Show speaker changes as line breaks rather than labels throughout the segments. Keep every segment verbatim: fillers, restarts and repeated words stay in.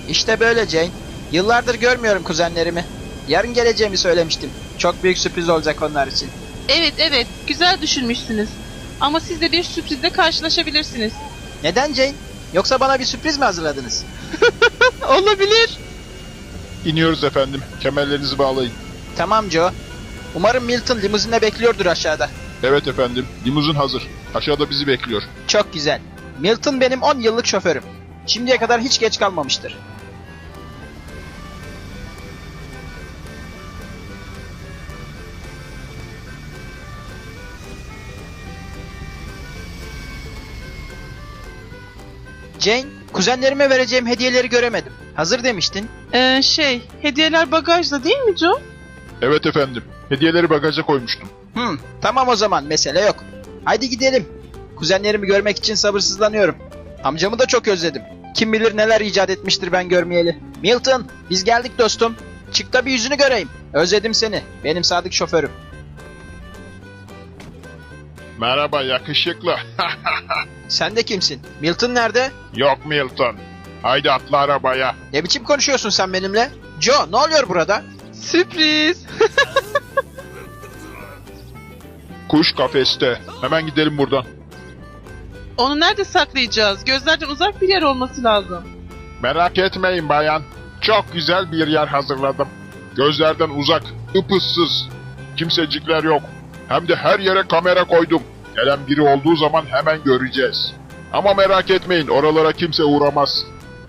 İşte böyle Jane. Yıllardır görmüyorum kuzenlerimi. Yarın geleceğimi söylemiştim. Çok büyük sürpriz olacak onlar için.
Evet evet, güzel düşünmüşsünüz. Ama siz de bir sürprizle karşılaşabilirsiniz.
Neden Jane? Yoksa bana bir sürpriz mi hazırladınız?
Olabilir.
İniyoruz efendim. Kemerlerinizi bağlayın.
Tamam Joe. Umarım Milton limuzinle bekliyordur aşağıda.
Evet efendim. Limuzin hazır. Aşağıda bizi bekliyor.
Çok güzel. Milton benim on yıllık şoförüm. Şimdiye kadar hiç geç kalmamıştır. Jane, kuzenlerime vereceğim hediyeleri göremedim. Hazır demiştin.
Ee, şey, hediyeler bagajda değil mi Joe?
Evet efendim. Hediyeleri bagaja koymuştum.
Hmm, tamam o zaman, mesele yok. Haydi gidelim. Kuzenlerimi görmek için sabırsızlanıyorum. Amcamı da çok özledim. Kim bilir neler icat etmiştir ben görmeyeli. Milton, biz geldik dostum. Çık da bir yüzünü göreyim. Özledim seni. Benim sadık şoförüm.
Merhaba yakışıklı.
Sen de kimsin? Milton nerede?
Yok Milton. Haydi atla arabaya.
Ne biçim konuşuyorsun sen benimle? Joe, ne oluyor burada?
Sürpriz.
Kuş kafeste. Hemen gidelim buradan.
Onu nerede saklayacağız? Gözlerden uzak bir yer olması lazım.
Merak etmeyin bayan. Çok güzel bir yer hazırladım. Gözlerden uzak, ıpıssız. Kimsecikler yok. Hem de her yere kamera koydum. Gelen biri olduğu zaman hemen göreceğiz. Ama merak etmeyin, oralara kimse uğramaz.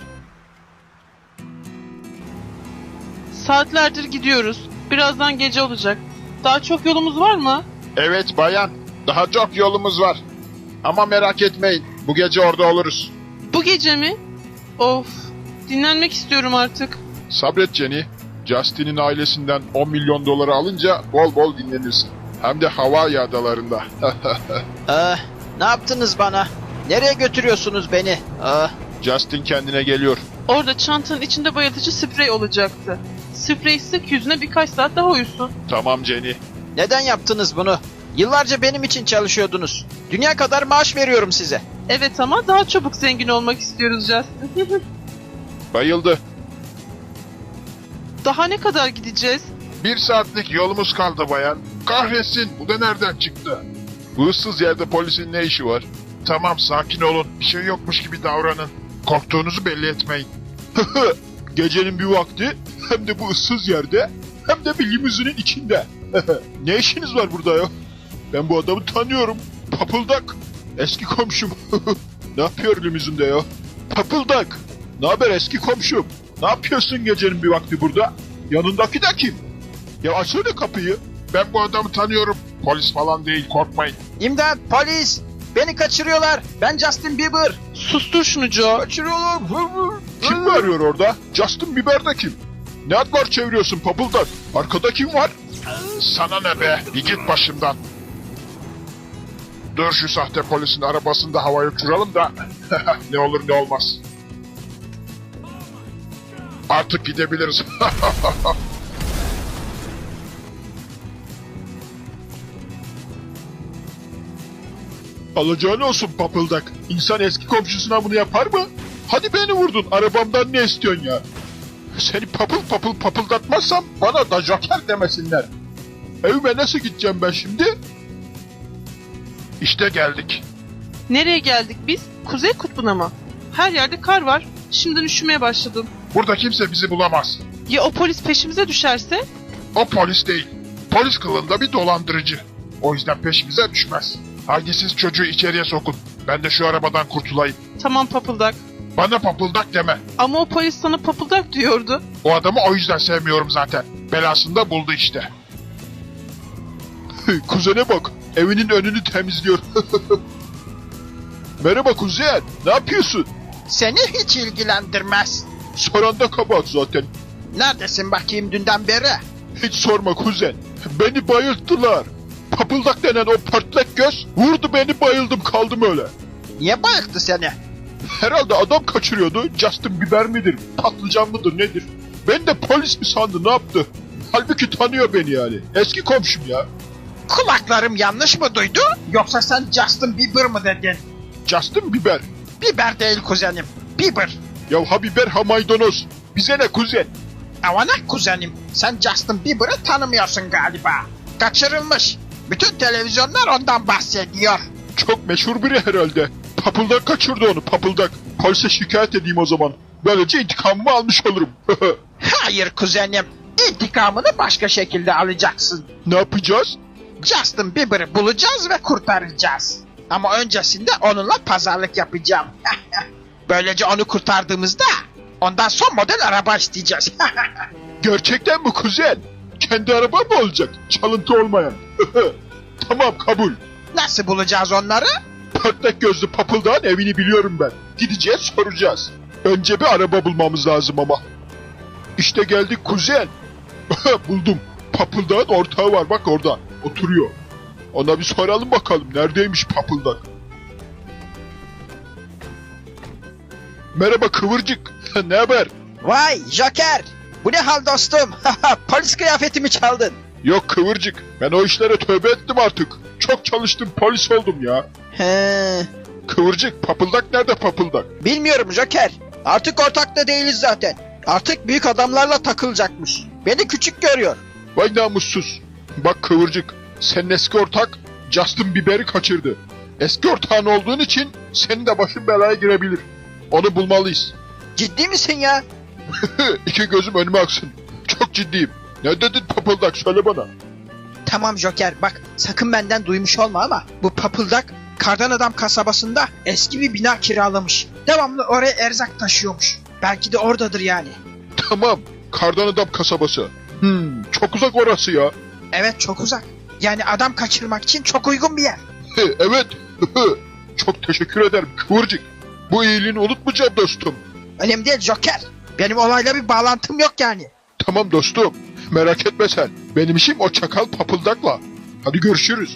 Saatlerdir gidiyoruz. Birazdan gece olacak. Daha çok yolumuz var mı?
Evet bayan, daha çok yolumuz var. Ama merak etmeyin, bu gece orada oluruz.
Bu gece mi? Of, dinlenmek istiyorum artık.
Sabret Jenny. Justin'in ailesinden on milyon doları alınca bol bol dinlenirsin. Hem de Hawaii adalarında.
Ah, ne yaptınız bana? Nereye götürüyorsunuz beni? Ah,
Justin kendine geliyor.
Orada çantanın içinde bayıltıcı sprey olacaktı. Sprey sık yüzüne birkaç saat daha uyusun.
Tamam Jenny.
neden yaptınız bunu? Yıllarca benim için çalışıyordunuz. Dünya kadar maaş veriyorum size.
Evet ama daha çabuk zengin olmak istiyoruz Justin.
Bayıldı.
Daha ne kadar gideceğiz?
Bir saatlik yolumuz kaldı bayan. Kahretsin, bu da nereden çıktı? Bu ıssız yerde polisin ne işi var? Tamam, sakin olun. Bir şey yokmuş gibi davranın. Korktuğunuzu belli etmeyin. Gecenin bir vakti hem de bu ıssız yerde hem de bir limuzinin içinde. Ne işiniz var burada ya? Ben bu adamı tanıyorum. Papıldak. Eski komşum. Ne yapıyor limuzinde ya? Papıldak. Ne haber eski komşum? Ne yapıyorsun gecenin bir vakti burada? Yanındaki de kim? Ya açsana kapıyı. Ben bu adamı tanıyorum. Polis falan değil, korkmayın.
İmdat, polis! Beni kaçırıyorlar. Ben Justin Bieber.
Sustur şunu Joe.
Kaçırıyorlar.
Kim mi arıyor orada? Justin Bieber de kim? Ne adlar çeviriyorsun papıldak? Arkada kim var? Sana ne be? Bir git başımdan. Dur şu sahte polisin arabasında havaya uçuralım da ne olur ne olmaz. Artık gidebiliriz. Alacağın olsun papıldak. İnsan eski komşusuna bunu yapar mı? Hadi beni vurdun. Arabamdan ne istiyorsun ya? Seni papıl papıl papıldatmazsam bana da joker demesinler. Evime nasıl gideceğim ben şimdi? İşte geldik.
Nereye geldik biz? Kuzey kutbuna mı? Her yerde kar var. Şimdiden üşümeye başladım.
Burada kimse bizi bulamaz.
Ya o polis peşimize düşerse?
O polis değil. Polis kılığında bir dolandırıcı. O yüzden peşimize düşmez. Haydi siz çocuğu içeriye sokun. Ben de şu arabadan kurtulayım.
Tamam papıldak.
Bana papıldak deme.
Ama o polis sana papıldak diyordu.
O adamı o yüzden sevmiyorum zaten. Belasını da buldu işte. Kuzene bak. Evinin önünü temizliyor. Merhaba kuzen. Ne yapıyorsun?
Seni hiç ilgilendirmez.
Soran da kabahat zaten.
Neredesin bakayım dünden beri?
Hiç sorma kuzen. Beni bayılttılar. Papıldak denen o pörtlek göz vurdu beni, bayıldım kaldım öyle.
Niye bayılttı seni?
Herhalde adam kaçırıyordu. Justin Bieber midir? Patlıcan mıdır nedir? Ben de polis mi sandı, ne yaptı? Halbuki tanıyor beni yani. Eski komşum ya.
Kulaklarım yanlış mı duydu? Yoksa sen Justin Bieber mı dedin?
Justin Bieber.
Bieber değil kuzenim. Bieber.
Ya ha biber ha maydanoz. Bize ne kuzen?
Avana kuzenim, sen Justin Bieber'ı tanımıyorsun galiba. Kaçırılmış. Bütün televizyonlar ondan bahsediyor.
Çok meşhur biri herhalde. Papıldak kaçırdı onu, papıldak. Polise şikayet edeyim o zaman. Böylece intikamımı almış olurum.
Hayır kuzenim, intikamını başka şekilde alacaksın.
Ne yapacağız?
Justin Bieber'ı bulacağız ve kurtaracağız. Ama öncesinde onunla pazarlık yapacağım. Böylece onu kurtardığımızda ondan son model araba isteyeceğiz.
Gerçekten mi kuzen? Kendi araba mı olacak? Çalıntı olmayan. Tamam, kabul.
Nasıl bulacağız onları?
Patlak gözlü papıldağın evini biliyorum ben. Gideceğiz, soracağız. Önce bir araba bulmamız lazım ama. İşte geldik kuzen. Buldum. Papıldağın ortağı var, bak orada. Oturuyor. Ona bir soralım bakalım. Neredeymiş papıldak? Merhaba kıvırcık. Ne haber?
Vay Joker! Bu ne hal dostum? Polis kıyafetimi çaldın.
Yok kıvırcık. Ben o işlere tövbe ettim artık. Çok çalıştım, polis oldum ya.
He,
Kıvırcık, papıldak nerede papıldak?
bilmiyorum Joker. Artık ortakta değiliz zaten. Artık büyük adamlarla takılacakmış. Beni küçük görüyor.
Vay namussuz. Bak kıvırcık, senin eski ortak Justin Bieber'i kaçırdı. Eski ortağın olduğun için senin de başın belaya girebilir. Onu bulmalıyız.
Ciddi misin ya?
İki gözüm önüme aksın. Çok ciddiyim. Ne dedin papıldak, söyle bana.
Tamam Joker, bak sakın benden duymuş olma ama bu papıldak Kardan Adam kasabasında eski bir bina kiralamış. Devamlı oraya erzak taşıyormuş. Belki de oradadır yani.
Tamam, Kardan Adam kasabası. Hmm, çok uzak orası ya.
Evet, çok uzak. Yani adam kaçırmak için çok uygun bir yer.
Evet. Çok teşekkür ederim kıvırcık. Bu iyiliğini unutmayacağım dostum.
Önemli değil Joker. Benim olayla bir bağlantım yok yani.
Tamam dostum. Merak etme sen. Benim işim o çakal papıldakla. Hadi görüşürüz.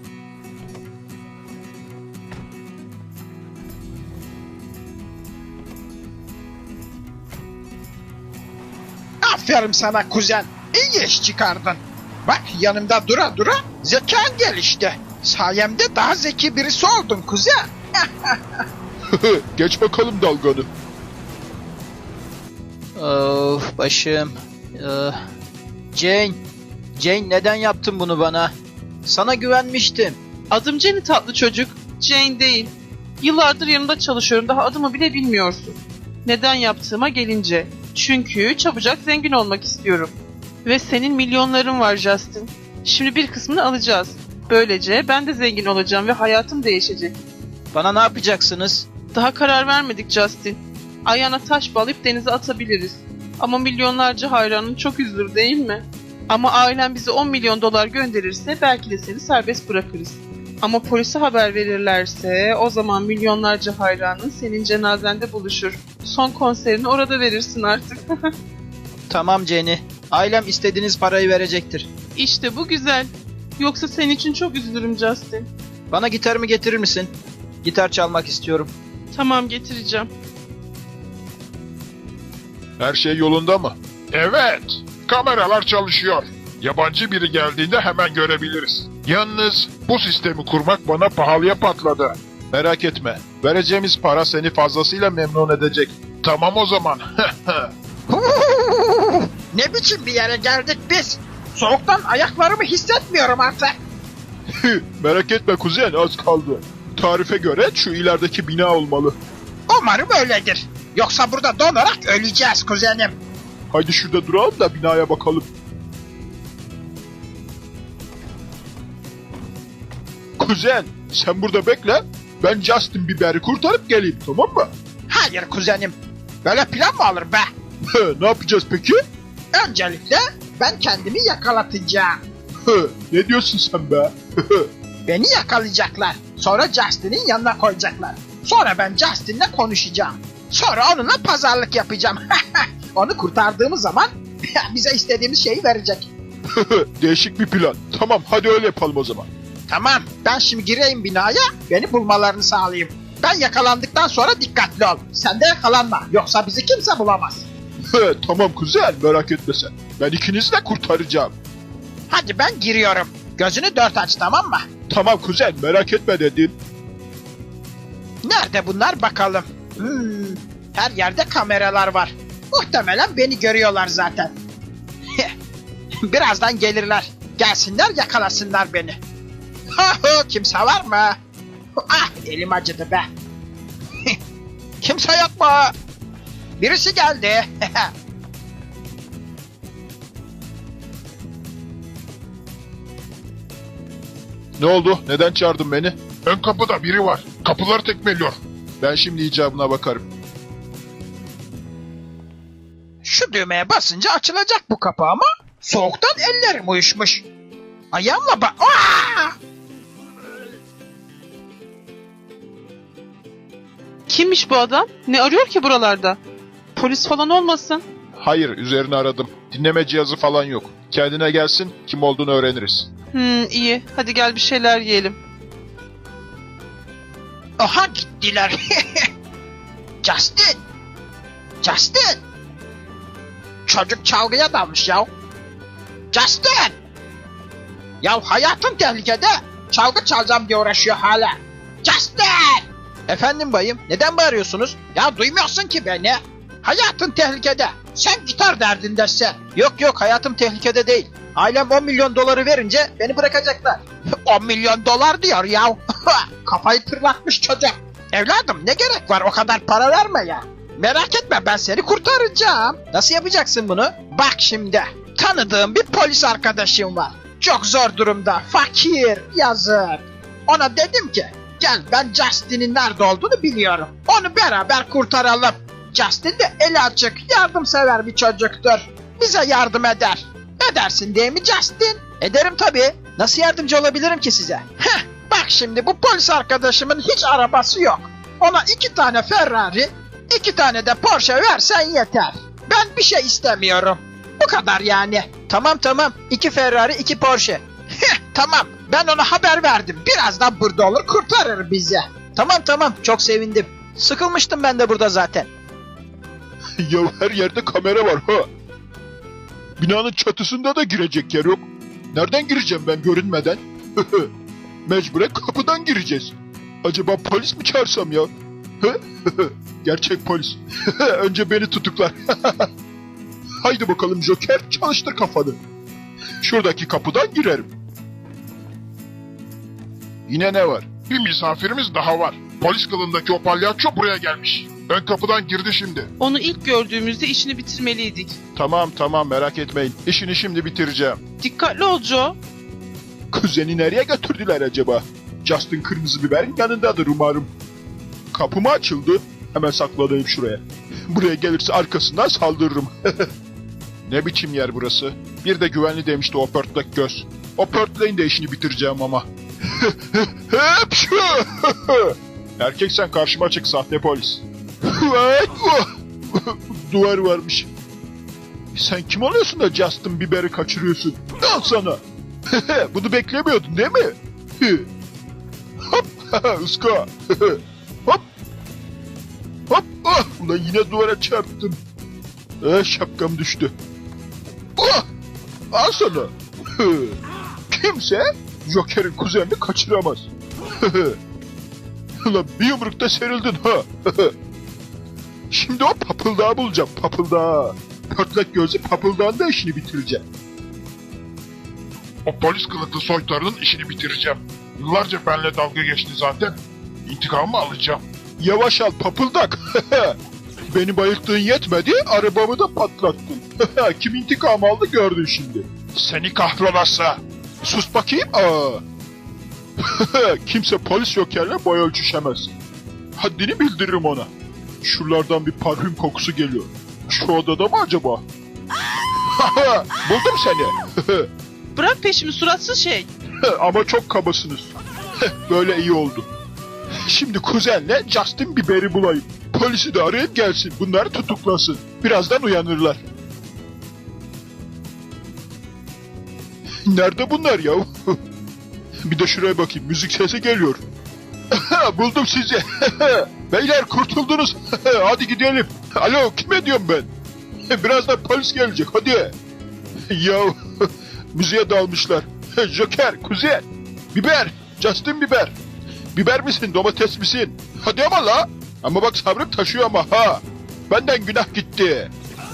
Aferin sana kuzen. İyi iş çıkardın. Bak yanımda dura dura zekan gelişti. Sayemde daha zeki birisi oldun kuzen.
Geç bakalım dalganı.
Of başım. Ee, Jane. Jane neden yaptın bunu bana? Sana güvenmiştim.
Adım Jenny tatlı çocuk. Jane değil. Yıllardır yanında çalışıyorum. Daha adımı bile bilmiyorsun. Neden yaptığıma gelince. Çünkü çabucak zengin olmak istiyorum. Ve senin milyonların var Justin. Şimdi bir kısmını alacağız. Böylece ben de zengin olacağım ve hayatım değişecek.
Bana ne yapacaksınız?
Daha karar vermedik Justin. Ayağına taş bağlayıp denize atabiliriz. Ama milyonlarca hayranın çok üzülür değil mi? Ama ailen bize on milyon dolar gönderirse belki de seni serbest bırakırız. Ama polise haber verirlerse o zaman milyonlarca hayranın senin cenazende buluşur. Son konserini orada verirsin artık.
Tamam Jenny. Ailem istediğiniz parayı verecektir.
İşte bu güzel. Yoksa senin için çok üzülürüm Justin.
Bana gitarımı getirir misin? Gitar çalmak istiyorum.
Tamam getireceğim.
Her şey yolunda mı? Evet. Kameralar çalışıyor. Yabancı biri geldiğinde hemen görebiliriz. Yalnız bu sistemi kurmak bana pahalıya patladı. Merak etme. Vereceğimiz para seni fazlasıyla memnun edecek. Tamam o zaman.
Ne biçim bir yere geldik biz? Soğuktan ayaklarımı hissetmiyorum artık.
Merak etme kuzen, az kaldı. Tarife göre şu ilerideki bina olmalı.
Umarım öyledir. Yoksa burada donarak öleceğiz kuzenim.
Haydi şurada duralım da binaya bakalım. Kuzen, sen burada bekle. Ben Justin Bieber'i kurtarıp geleyim, tamam mı?
Hayır kuzenim. Böyle plan mı olur be?
Ne yapacağız peki?
Öncelikle ben kendimi yakalatacağım.
Ne diyorsun sen be?
Beni yakalayacaklar. Sonra Justin'in yanına koyacaklar. Sonra ben Justin'le konuşacağım. Sonra onunla pazarlık yapacağım. Onu kurtardığımız zaman bize istediğimiz şeyi verecek.
Değişik bir plan. Tamam, hadi öyle yapalım o zaman.
Tamam, ben şimdi gireyim binaya, beni bulmalarını sağlayayım. Ben yakalandıktan sonra dikkatli ol. Sen de yakalanma, yoksa bizi kimse bulamaz.
Tamam kuzen, merak etme sen. Ben ikinizi de kurtaracağım.
Hadi ben giriyorum. Gözünü dört aç, tamam mı?
Tamam kuzen, merak etme dedim.
Nerede bunlar bakalım. Hmm, Her yerde kameralar var. Muhtemelen beni görüyorlar zaten. Birazdan gelirler. Gelsinler yakalasınlar beni. Kimse var mı? Ah, elim acıdı be. Kimse yok mu? Birisi geldi.
Ne oldu? Neden çağırdın beni? Ön kapıda biri var. Kapıları tekmeliyor. Ben şimdi icabına bakarım.
Şu düğmeye basınca açılacak bu kapı ama soğuktan ellerim uyuşmuş. Ayağımla bak.
Kimmiş bu adam? Ne arıyor ki buralarda? Polis falan olmasın?
Hayır, üzerine aradım. Dinleme cihazı falan yok. Kendine gelsin, kim olduğunu öğreniriz.
Hmm, iyi. Hadi gel bir şeyler yiyelim.
Aha gittiler. Justin. Justin. Çocuk çalgıya dalmış ya. Justin. Ya hayatın tehlikede. Çalgı çalacağım diye uğraşıyor hala. Justin. Efendim bayım, neden bağırıyorsunuz? Ya duymuyorsun ki beni. Hayatın tehlikede. Sen gitar derdindesin. Yok yok, hayatım tehlikede değil. Ailem on milyon doları verince beni bırakacaklar. on milyon dolar diyor ya. Kafayı tırlatmış çocuk. Evladım ne gerek var o kadar para verme ya. Merak etme, ben seni kurtaracağım. Nasıl yapacaksın bunu? Bak şimdi. Tanıdığım bir polis arkadaşım var. Çok zor durumda. Fakir. Yazık. Ona dedim ki gel, ben Justin'in nerede olduğunu biliyorum. Onu beraber kurtaralım. Justin de eli açık, yardımsever bir çocuktur. Bize yardım eder. Edersin değil mi Justin? Ederim tabii. Nasıl yardımcı olabilirim ki size? Heh, bak şimdi bu polis arkadaşımın hiç arabası yok. Ona iki tane Ferrari, iki tane de Porsche versen yeter. Ben bir şey istemiyorum. Bu kadar yani. Tamam tamam. İki Ferrari, iki Porsche. Heh, tamam. Ben ona haber verdim. Birazdan burada olur, kurtarır bizi. Tamam tamam. Çok sevindim. Sıkılmıştım ben de burada zaten.
Ya her yerde kamera var ha. Binanın çatısında da girecek yer yok. Nereden gireceğim ben görünmeden? Mecburen kapıdan gireceğiz. Acaba polis mi çağırsam ya? Gerçek polis. Önce beni tutuklar. Haydi bakalım Joker, çalıştır kafanı. Şuradaki kapıdan girerim. Yine ne var? Bir misafirimiz daha var. Polis kılığındaki o palyaço buraya gelmiş. Ön kapıdan girdi şimdi.
Onu ilk gördüğümüzde işini bitirmeliydik.
Tamam tamam, merak etmeyin. İşini şimdi bitireceğim.
Dikkatli ol Joe.
Kuzeni nereye götürdüler acaba? Justin kırmızı biberin yanındadır umarım. Kapı mı açıldı? Hemen saklanayım şuraya. Buraya gelirse arkasından saldırırım. Ne biçim yer burası? Bir de güvenli demişti o pörtlek göz. O pörtleğin de işini bitireceğim ama. Hepşu! Erkek sen karşıma çık, sahte polis. Duvar varmış. Sen kim oluyorsun da Justin Bieber'i kaçırıyorsun? Al sana. Bunu beklemiyordun değil mi? Hop, ıska. Hop. Hop, ah, ulan yine duvara çarptım. Ah, şapkam düştü. Ah, al sana. Kimse Joker'in kuzenini kaçıramaz. Ulan bir yumrukta serildin ha. Şimdi o papıldağı bulacağım, papıldağı. Pörtlek gözlü papıldağın da işini bitireceğim. O polis kılıklı soytarının işini bitireceğim. Yıllarca benimle dalga geçti zaten. İntikamımı alacağım. Yavaş al papıldak. Beni bayılttığın yetmedi, arabamı da patlattın. Kim intikam aldı gördün şimdi. Seni kahrolası. Sus bakayım. Aa. Kimse polis Joker'le boy ölçüşemez. Haddini bildiririm ona. Şuralardan bir parfüm kokusu geliyor. Şu odada mı acaba? Buldum seni.
Bırak peşimi suratsız şey.
Ama çok kabasınız. Böyle iyi oldu. Şimdi kuzenle Justin Bieber'i bulayım. Polisi de arayıp gelsin. Bunları tutuklasın. Birazdan uyanırlar. Nerede bunlar ya? Bir de şuraya bakayım. Müzik sesi geliyor. Buldum sizi. Beyler kurtuldunuz. Hadi gidelim. Alo, kime diyorum ben? Birazdan polis gelecek. Hadi. Ya müziğe dalmışlar. Joker, kuzen, biber, Justin Bieber. Biber misin, domates misin? Hadi ama la. Ama bak sabrım taşıyor ama ha. Benden günah gitti.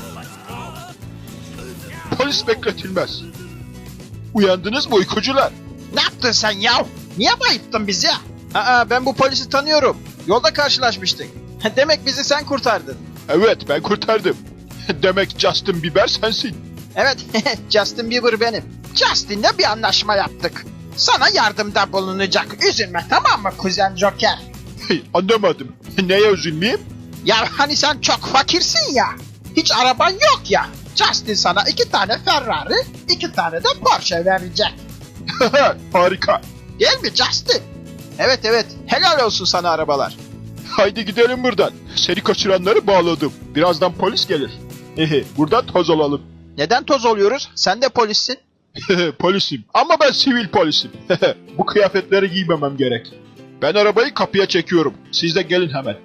Polis bekletilmez. Uyandınız mı uykucular?
Ne yaptın sen ya? Niye bayılttın bizi? Aa, ben bu polisi tanıyorum. Yolda karşılaşmıştık. Demek bizi sen kurtardın.
Evet, ben kurtardım. Demek Justin Bieber sensin.
Evet, Justin Bieber benim. Justin'le bir anlaşma yaptık. Sana yardımda bulunacak. Üzülme, tamam mı kuzen Joker?
Hey, anlamadım. Neye üzülmeyeyim?
Ya hani sen çok fakirsin ya. Hiç araban yok ya. Justin sana iki tane Ferrari, iki tane de Porsche verecek.
Harika.
Değil mi Justin? Evet evet, helal olsun sana arabalar.
Haydi gidelim buradan. Seni kaçıranları bağladım. Birazdan polis gelir. Hehe, buradan toz alalım.
Neden toz oluyoruz? Sen de polissin.
Polisim. Ama ben sivil polisim. Bu kıyafetleri giymemem gerek. Ben arabayı kapıya çekiyorum. Siz de gelin hemen.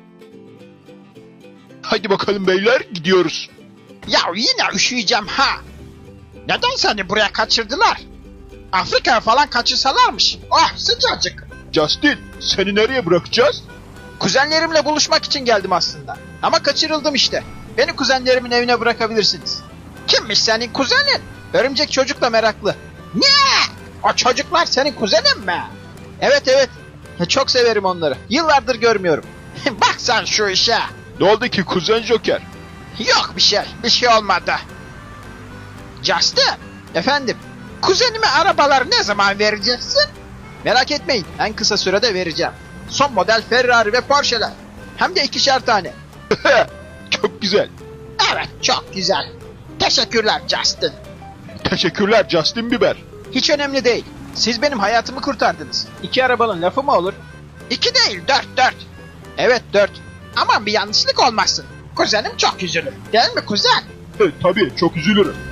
Haydi bakalım beyler, gidiyoruz.
Ya yine üşüyeceğim ha. Neden seni buraya kaçırdılar? Afrika'ya falan kaçırsalarmış. Oh sıcacık.
Justin, seni nereye bırakacağız?
Kuzenlerimle buluşmak için geldim aslında. Ama kaçırıldım işte. Beni kuzenlerimin evine bırakabilirsiniz. Kimmiş senin kuzenin? Örümcek çocukla meraklı. Ne? O çocuklar senin kuzenin mi? Evet evet. Çok severim onları. Yıllardır görmüyorum. Bak sen şu işe.
Ne oldu ki kuzen Joker?
Yok bir şey. Bir şey olmadı. Justin. Efendim. Kuzenime arabaları ne zaman vereceksin? Merak etmeyin. En kısa sürede vereceğim. Son model Ferrari ve Porsche'ler. Hem de ikişer tane.
Çok güzel.
Evet çok güzel. Teşekkürler Justin.
Teşekkürler Justin Bieber.
Hiç önemli değil. Siz benim hayatımı kurtardınız. İki arabanın lafı mı olur? İki değil dört dört. Evet dört. Aman bir yanlışlık olmasın. Kuzenim çok üzülür. Değil mi kuzen?
Tabii, çok üzülürüm.